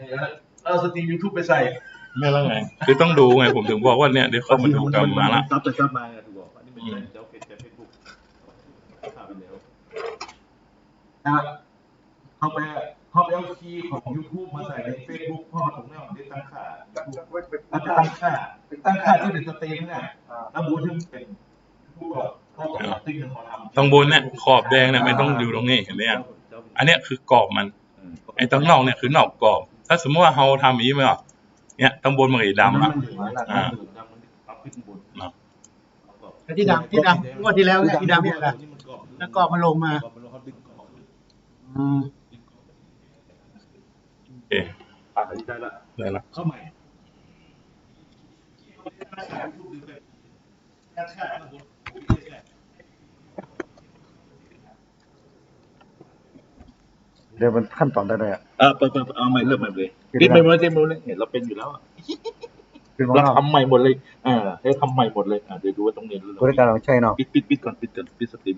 เอาสตรีม YouTube ไปใส่ไม่แล้วไงคือต้องดูไงผมถึงบอกว่าเนี่ยเดี๋ยวเข้ามาดูกันมาละซับไปซับมาถูกบอกอันนี้เป็นเจ้าเฟซบุ๊กข่าวไปแล้วเข้าไปเอาคีย์ของ YouTube มาใส่ใน Facebook พ่อผมเนี่ยได้ตั้งค่าที่เป็นสตรีมเนี่ยแล้วบูธที่เป็นผู้ก่อติ้งของเขาทำตรงบนเนี่ยขอบแดงเนี่ยไม่ต้องอยู่ตรงนี้เห็นไหมอันเนี้ยคือกรอบมันไอ้ตรงนอกเนี่ยคือนอกกรอบถ้าสมมติว่าเราทำอย่างนี้ไหมอ่ะเนี่ยตรงบนมันก็ดำอ่ะที่ดำงวดที่แล้วเนี่ยที่ดำเนี่ยนะแล้วก็มาลงมาโอเคได้ละเข้าใหม่เดี๋ยวมันขั้นตอนได้เลยเปิดเอาใหม่เริ่มใหม่เลยปิดไปหมดเลยเห็นเราเป็นอยู่แล้วเราทำใหม่หมดเลยให้ทำใหม่หมดเลยเดี๋ยวดูว่าตรงนี้บริการเราใช่เนาะปิดก่อนปิดสตรีม